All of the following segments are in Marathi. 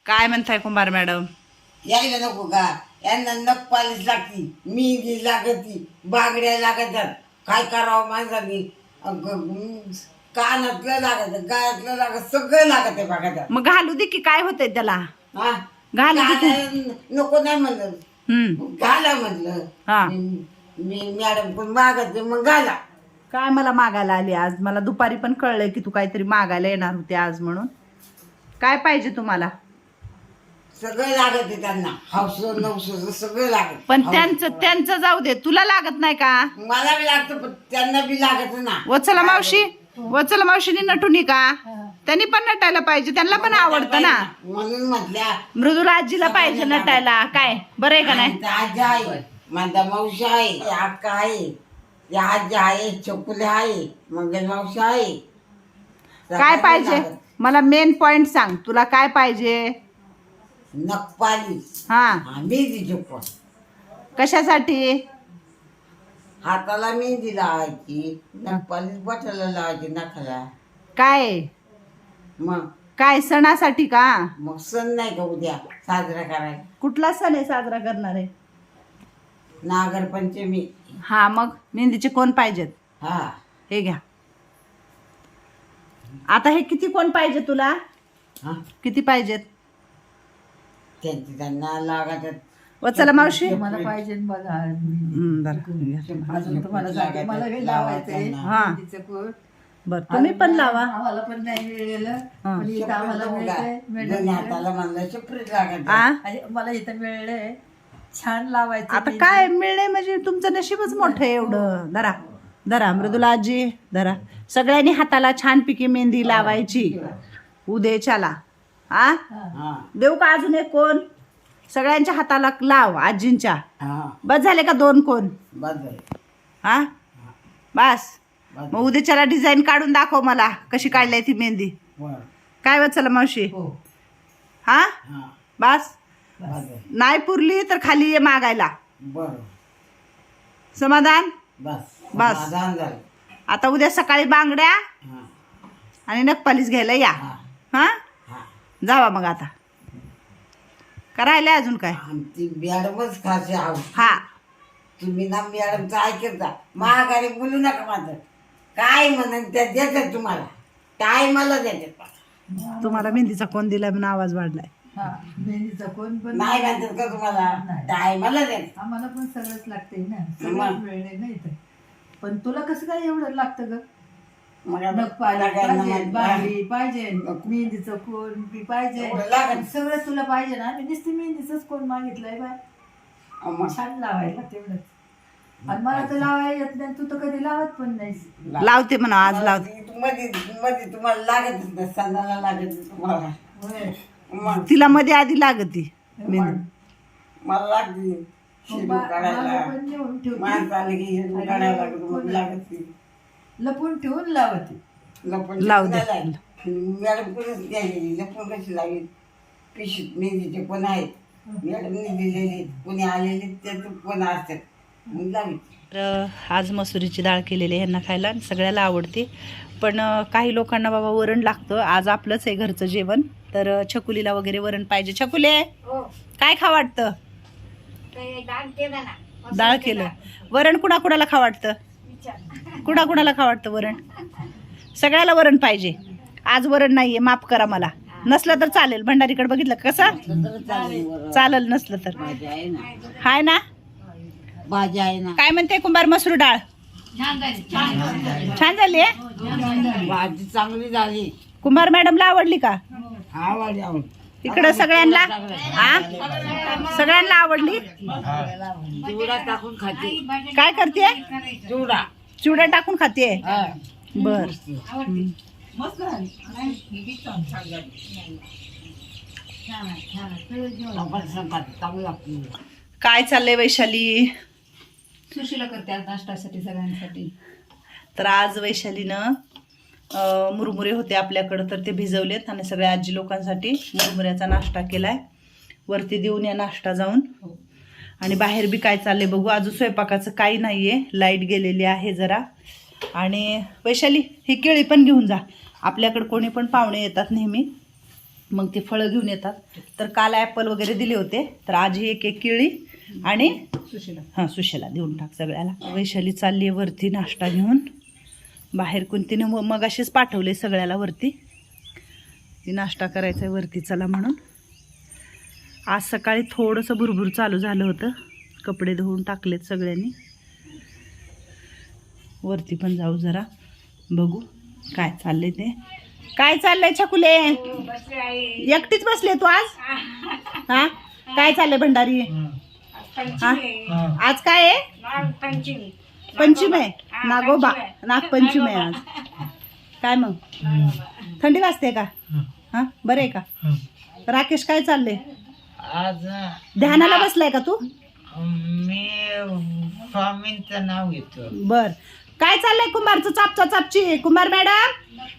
काय म्हणताय कुंभार मॅडम? यायला नको का? यांना नख पालिश लागती, मेहंदी लागती, बागड्या लागतात. काय करावं माणसाने? कानातलं लागत, गायातलं लागत, सगळं लागत आहे बघा. मग घालू दे की, काय होतंय त्याला? हा घालू दे ते. नको नाही म्हणलं, घाला म्हणलं. हा. मी मॅडम पण मागत मग घाला. काय मला मागायला आली आज? मला दुपारी पण कळलंय की तू काहीतरी मागायला येणार होती आज म्हणून. काय पाहिजे तुम्हाला? सगळं लागत आहे त्यांना, हौस नवस सगळं लागत. पण त्यांचं जाऊ दे, तुला लागत नाही का? मला बी लागतं पण त्यांना बी लागत ना. वत्सला मावशीने नटुनी का? त्यांनी पण नटायला पाहिजे, त्यांना पण आवडतं ना. म्हणून म्हटल्या मृदुला आजीला पाहिजे नटायला. काय बरं आहे का नाही? आजी आहे, माझा मावशी आहे, अक्का आहे, आजी आहे, चकुले आहे, मंगल मावशी आहे. काय पाहिजे मला? मेन पॉइंट सांग, तुला काय पाहिजे? नखपालीस. हा. मेहंदी चुकवा. कशासाठी? हाताला मेहंदी लावायची, नखपालीस बटाला लावायची नखाला. काय मग काय सणासाठी का? मग सण नाही का उद्या साजरा करायला? कुठला सण आहे साजरा करणार आहे? नागरपंचमी. हा, मग मेहंदीचे कोण पाहिजेत? हा, हे घ्या. आता हे किती कोण पाहिजे तुला? हा, किती पाहिजेत? त्यांना लागतात. वत्सला मावशी मला पाहिजे बघा. बरं. अजून तुम्हाला सांगते, मला हे लावायचंय. हा. तिचं कोण? बरं, तुम्ही पण लावा. आम्हाला पण नाही मिळलेलं, हा. पण इथं आम्हाला मिळतंय. दोन्ही हाताला म्हणलं सेपरेट लागत. आ? आणि मला इथं मिळलंय. छान लावायचं. आता काय मिळणे म्हणजे तुमचं नशीबच मोठं आहे एवढं. धरा धरा मृदुला आजी धरा. सगळ्यांनी हाताला छानपैकी मेहंदी लावायची उद्याच्याला. आ हा, देऊ का अजून एक कोण? सगळ्यांच्या हाताला लाव आजींच्या. हा, बस झाले का 2 कोण? बस झालं. हा बस. मग उद्याच्याला डिझाईन काढून दाखव मला कशी काढली ती मेहंदी. बरं. काय वत्सला मावशी? हो. हा हा, बस. बस झालं. नाही पुरली तर खाली ये मागायला. बरं. समाधान? बस बस. समाधान झालं. आता उद्या सकाळी बांगड्या हा, आणि नखपालीस घ्यायला या. हा, हा हा. जावा मग आता. करायला अजून काय? आमची मॅडमच खास आहोत. हा तुम्ही ना मॅडमचं ऐकत जा. महागारी बोलू नका माझं. काय म्हणून त्या देतात तुम्हाला, टायमाला देतात. तुम्हाला मेहंदीचा कोण दिलाय म्हणून आवाज वाढलाय. हा, मेहंदीचं कोण पण नाही म्हणतात का तुम्हाला? नाही. टायमाला देतात. आम्हाला पण सगळंच लागतंय ना. मग. सगळंच मिळलंय ना इथं. पण तुला कसं काय एवढं लागतं ग? मग आता नख पाहिजे, सगळ्यांना पाहिजे, माहिती- बांगडी पाहिजे, मेहंदीचं कोण बी पाहिजे. एवढं लागत. सगळं तुला पाहिजे ना. मी नुसती मेहंदीच कोण मागितलंय बाय. मग छान लावायला तेवढंच. आणि मला तर लावायला येत नाही. तू तर कधी लावत पण नाहीस. लावते म्हणा आज लावते. मध्ये मध्ये तुम्हाला लागतच नाही, सणाला लागत तुम्हाला. होय. मग तिला मध्ये आधी लागती मेहंदी. मला लागते शिरू मला काढायला. पण नेऊन ठेवते. माणसं आले की शिरू काढायला लागत, मग लागते. लपून ठेवून लावते. लपून लावू दे. नाही लागत. मॅडम कोणच द्यायची, लपून कशी लागेल? पिशवीत मेहंदीचे कोण आहेत, मॅडमने दिलेले, कोणी आलेले त्याचं कोण असतात, मग लावी. तर आज मसुरीची डाळ केलेली आहे ह्यांना खायला आणि सगळ्याला आवडते. पण काही लोकांना बाबा वरण लागतं. आज आपलंच आहे घरचं जेवण. तर छकुलीला वगैरे वरण पाहिजे. छकुले काय खा वाटतं? डाळ केलं. वरण कुणाकुणाला खा वाटतं? कुणाकुणाला खा वाटतं वरण? सगळ्याला वरण पाहिजे. आज वरण नाहीये, माफ करा मला. नसलं तर चालेल. भंडारीकडे बघितलं कसं चालेल, नसलं तर भाजी आहे ना, हाय ना. भाजी आहे ना. काय म्हणते कुंभार? मसूर डाळ छान झाली आहे. भाजी चांगली झाली. कुंभार मॅडमला आवडली का? आवडली आवड. इकडं सगळ्यांना सगळ्यांना आवडली. चिवडा टाकून खाते. काय करते? चिवडा. चिवडा टाकून खाते. हा. बर. मस्त झाली. चांगली लागते. काय चाललंय वैशाली? सुशीला करते आज नाश्त्यासाठी सगळ्यांसाठी. तर आज वैशालीनं मुरमुरे होते आपल्याकडं, तर ते भिजवलेत आणि सगळ्या आजी लोकांसाठी मुरमुऱ्याचा नाश्ता केलाय. वरती देऊन या नाश्ता जाऊन. आणि बाहेर बी काय चाललंय बघू. अजून स्वयंपाकाचं काही नाहीये, लाईट गेलेली आहे जरा. आणि वैशाली ही केळी पण घेऊन जा. आपल्याकडे कोणी पण पाहुणे येतात नेहमी. मग ती फळं घेऊन येतात. तर काल ॲपल वगैरे दिले होते, तर आज ही एक एक केळी आणि सुशेला देऊन टाक सगळ्याला. वैशाली चालली आहे वरती नाश्ता घेऊन. बाहेर कोणतीने मग असेच पाठवले सगळ्याला वरती, ती नाश्ता करायचा आहे वरती चला म्हणून. आज सकाळी थोडंसं भुरभुर चालू झालं होतं, कपडे धुवून टाकलेत सगळ्यांनी. वरती पण जाऊ जरा बघू काय चाललंय ते. काय चाललंय छकुले? एकटीच बसले तू आज? हा काय चाललंय भंडारी? हा आज काय आहे? पंचमी आहे, नागोबा नागपंचमी आहे आज. काय मग थंडी वाजते का? हा बरं आहे का? राकेश काय चाललंय? आज ध्यानाला बसलाय का तू? मी स्वामींचं नाव घेतो. बर काय चाललंय कुंभारचं चापचा चापची? कुंभार मॅडम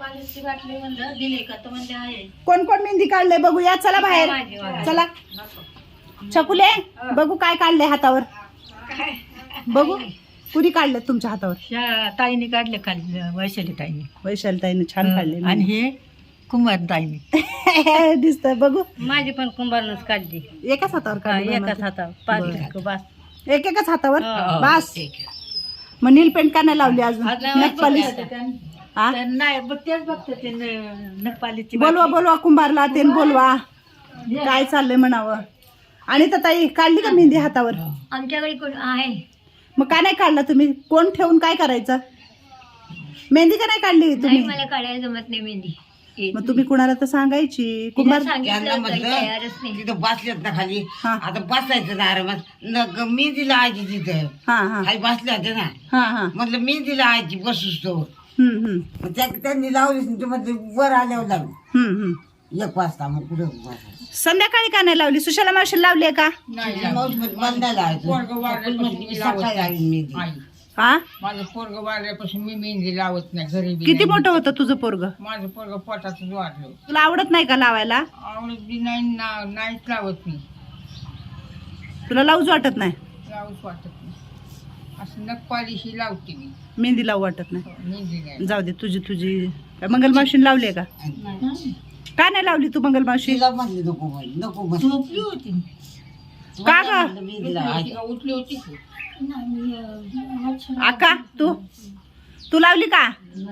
कोण कोण मेहंदी काढले बघूया, चला बाहेर चला. छकुले बघू काय काढले हातावर, बघू कुणी काढले तुमच्या हातावर? ताईने काढले खाली, वैशाली ताईने. वैशाली ताईने छान काढले. आणि हे कुंभार ताईने दिसतंय बघू. माझी पण कुंभारनच काढली, एकाच हातावर काढले? एकाच हातावर बरं. पाच. एकाच हातावर बास. मग नील पेंट का नाही लावली अजून? नखपालीस हा नाही तेच बघते ते नखपालीची. बोलवा कुंभारला ते बोलवा, काय चाललंय म्हणावं. आणि तर ताई काढली का मेहंदी हातावर? आमच्याकडे कोण आहे? मग का नाही काढला तुम्ही? कोण ठेवून काय करायचं? मेहंदी का नाही काढली तुम्ही? मला काढायला जमत नाही मेहंदी. मग तुम्ही कुणाला तर सांगायची. कुंभार त्यांना म्हटलं तिथं बसल्यात ना खाली, हा. आता बसायचं ना आरामात. मी दिला आजी तिथं हा हा खाली बसल्या होत्या ना, हा हा म्हटलं मी दिला आजी बसूस तो. हम्म. मग त्यांनी लावली म्हणजे वर आल्यावर लावली 1 वाजता. मग कुठे बसायचं? संध्याकाळी का नाही लावली? सुशाला मावशी लावली आहे का? मावशी म्हणते, मला नाही लावायचं. मी सकाळी लावीन मेहंदी. हा माझं पोरग वाढल्यापासून मी मेहंदी लावत नाही घरी बी किती नाही. मोठं होतं तुझं पोरग? माझं पोरग पोटातच वाढलं. तुला आवडत नाही का लावायला? आवडत बी नाही नाहीच लावत मी. तुला लावूच वाटत नाही? लावूच वाटत नाही. असं नखपालीशी लावते मी, मेहंदी लावू वाटत नाही? मेहंदी नाही. जाऊ दे, तुझी काय मंगल मावशीने लावली आहे का? का नाही लावली तू मंगल मावशी? तिला म्हणली नको म्हणे, नको म्हणे. झोपली होती. का ग? म्हणलं मेहंदी लावायची. का उठली होती की? आका तू लावली का?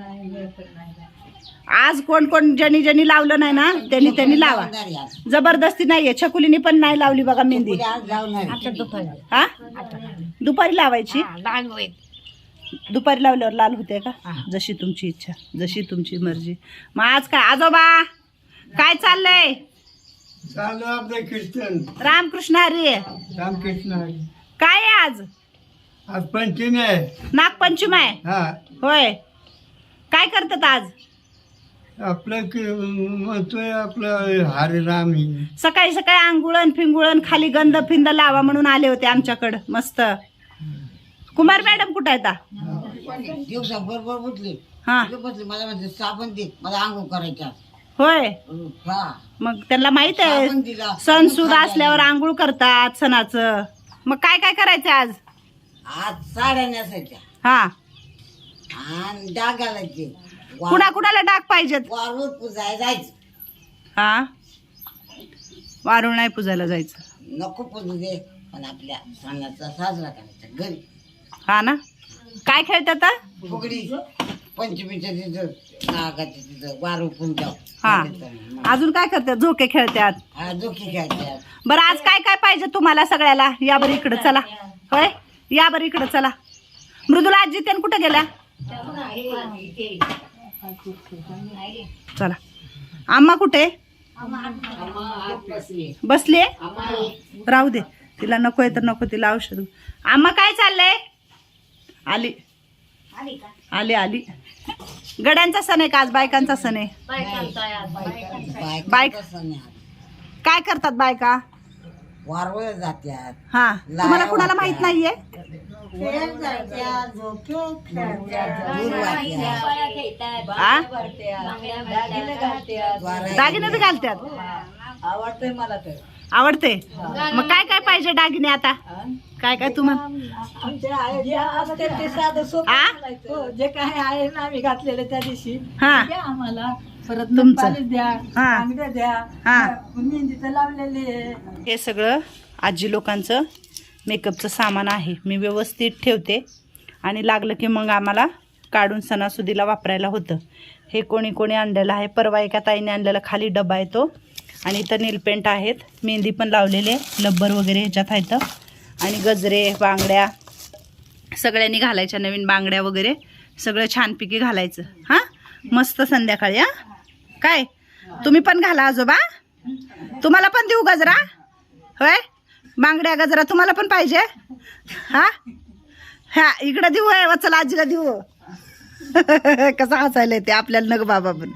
आज कोण ज्यांनी लावलं नाही ना त्यांनी लावा. लावणार आहे आज. जबरदस्ती नाहीये. छकुलीने पण नाही लावली बघा मेहंदी. उद्या आज लावणार आहे. हा दुपारी लावायची. दुपारी लावल्यावर लाल होते का? जशी तुमची इच्छा, जशी तुमची मर्जी. मग आज काय आजोबा काय चाललंय? चालू आपले कीर्तन रामकृष्ण हरी. रामकृष्ण हरी. काय आहे आज? आज पंचमी आहे. नागपंचमी आहे हा होय. काय करतात आज? आपलं म्हणतोय आपलं हरिराम ही. सकाळी सकाळी आंघोळण फिंगुळण खाली गंध फिंद लावा म्हणून आले होते आमच्याकडं. मस्त. कुमार मॅडम कुठं आहेत? दिवसा बरोबर उठली, हा बसली. मला म्हणते साबण दे, मला आंघोळ करायच्या. होय. हा मग त्यांना माहित आहे साबण दिला. सण सुद असल्यावर आंघोळ करतात सणाचं. मग काय काय करायचं आज? आज साड्या नेसायच्या हा आणि डाग घालायचे. कुणाला डाग पाहिजेत? वारूळ पुजायला जायचं. हा वारुळ नाही पूजायला जायचं. नको पुजू दे, पण आपल्या सणाचा साजरा करायचा घरी. हा ना. काय खेळतात? फुगडी पंचमीच्या तिथं, नागाच्या तिथं वारूळ पुंजाव. हा अजून काय करतात? झोके खेळतात. हा जोखी खेळतात. बरं आज काय काय पाहिजे तुम्हाला सगळ्याला? या बरं इकडं चला. होय या बरं इकडं चला. मृदुला आजी त्यान कुठं गेल्या? चला. आम्मा कुठे? बसले. राहू दे, तिला नको आहे तर नको. तिला औषध. आम्हा काय चाललंय? आली आली. गड्यांचा सण आहे का आज? बायकांचा सण आहे. बायका सण आहे. काय करतात बायका? वारवळ जात्यात. हा तुम्हाला कुणाला माहित नाहीये? दूर वाटत्यात. आ? वारा- दागिने बी घालतात. आवडतंय मला तर. आवडते. मग काय काय पाहिजे दागिने आता? काय काय तुम्हाला? आमचे आहे जे असते ते साधं सोपं आ? घालायचं. जे काय आहे ना आम्ही घातलेलं त्या दिवशी हा द्या आम्हाला. परत तुमचं. पालिश द्या, हा. बांगड्या द्या, हा. मेहंदीचं लावलेले. हे सगळं आजी लोकांचं मेकअपचं सामान आहे. मी व्यवस्थित ठेवते आणि लागलं की मग आम्हाला काढून सणासुदीला वापरायला होतं. हे कोणी कोणी आणलेलं आहे. परवा एका ताईने आणलेला खाली डबा आहे तो. आणि इथं नीलपेंट आहेत, मेहंदी पण लावलेले, लब्बर वगैरे ह्याच्यात आहेत. आणि गजरे, बांगड्या सगळ्यांनी घालायच्या, नवीन बांगड्या वगैरे सगळं छानपैकी घालायचं. हां, मस्त संध्याकाळी. हां, काय तुम्ही पण घाला आजोबा, तुम्हाला पण देऊ गजरा? होय, बांगड्या गजरा तुम्हाला पण पाहिजे? हां हा, इकडं देऊ आहे, चला आजीला देऊ. कसं हसायला ते आपल्याला नग बाबा पण.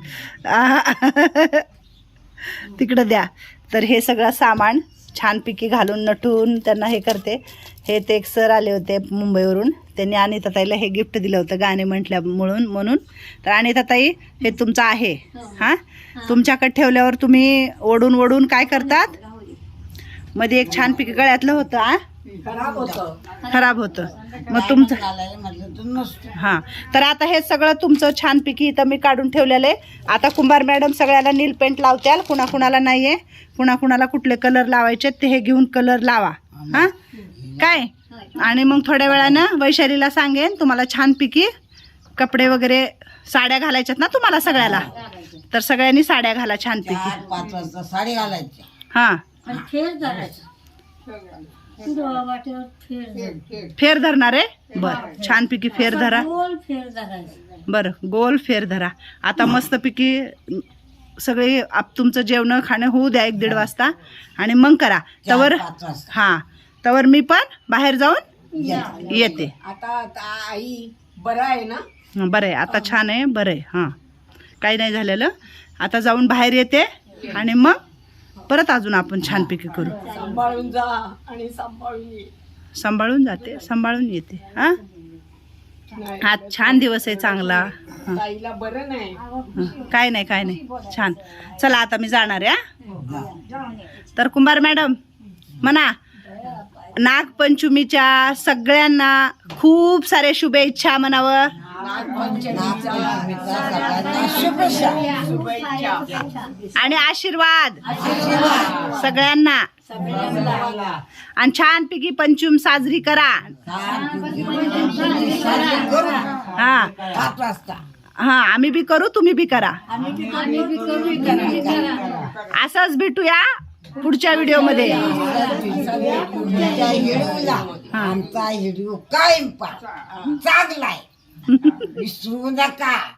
तिकडं द्या. तर हे सगळं सामान छानपैकी घालून नटून त्यांना हे करते. हे ते एक सर आले होते मुंबईवरून, त्यांनी अनिताताईला हे गिफ्ट दिलं होतं गाणे म्हटल्या म्हणून. तर अनिताताई हे तुमचं आहे. हां, तुमच्याकडे ठेवल्यावर तुम्ही ओढून ओढून काय करतात, मध्ये एक छानपैकी गळ्यातलं होतं. खराब होतं मग तुमचं. घालायला म्हटलं तर नसतं. हां, तर आता हे सगळं तुमचं छानपैकी इथं मी काढून ठेवलेलं आहे. आता कुंभार मॅडम सगळ्याला नील पेंट लावत्याल, कुणाकुणाला नाही आहे, कुणाकुणाला कुठले कलर लावायचे ते हे घेऊन कलर लावा. हां, काय. आणि मग थोड्या वेळानं वैशालीला सांगेन तुम्हाला छानपैकी कपडे वगैरे, साड्या घालायच्यात ना तुम्हाला सगळ्याला, तर सगळ्यांनी साड्या घाला छानपैकी. 4-5 वाजता साडी घालायची. हां, आणि फेर धरायचं. वाटेवर फेर धरायचं. फेर धरणार आहे. बरं, छानपैकी फेर धरा. गोल फेर धरायचं. बरं, गोल फेर धरा. आता मस्तपैकी सगळे तुमचं जेवण खाणं होऊ द्या 1-1.5 वाजता आणि मग करा. तवर 4-5 वाजता. हां, तवर मी पण बाहेर जाऊन येते. आता आई बरं आहे ना? बरं आहे आता, छान आहे, बरं आहे. हां, काही नाही झालेलं. आता जाऊन बाहेर येते आणि मग परत अजून आपण छानपैकी करू. सांभाळून जा आणि सांभाळून ये. सांभाळून जाते, सांभाळून येते. हां, आज छान दिवस आहे चांगला. हां, ताईला बरं नाही. काय नाही काय नाही, छान. चला आता मी जाणार आहे. तर कुंभार मॅडम म्हणा, नागपंचमीच्या सगळ्यांना खूप सारे शुभेच्छा म्हणावं. आणि आशीर्वाद सगळ्यांना. आणि छानपैकी पंचम साजरी करा. हा 5 वाजता. हा, आम्ही बी करू, तुम्ही बी करा. असंच भेटूया पुढच्या व्हिडिओ मध्ये. आमचा व्हिडिओ कायम पहा, चांगला आहे, विसरू नका.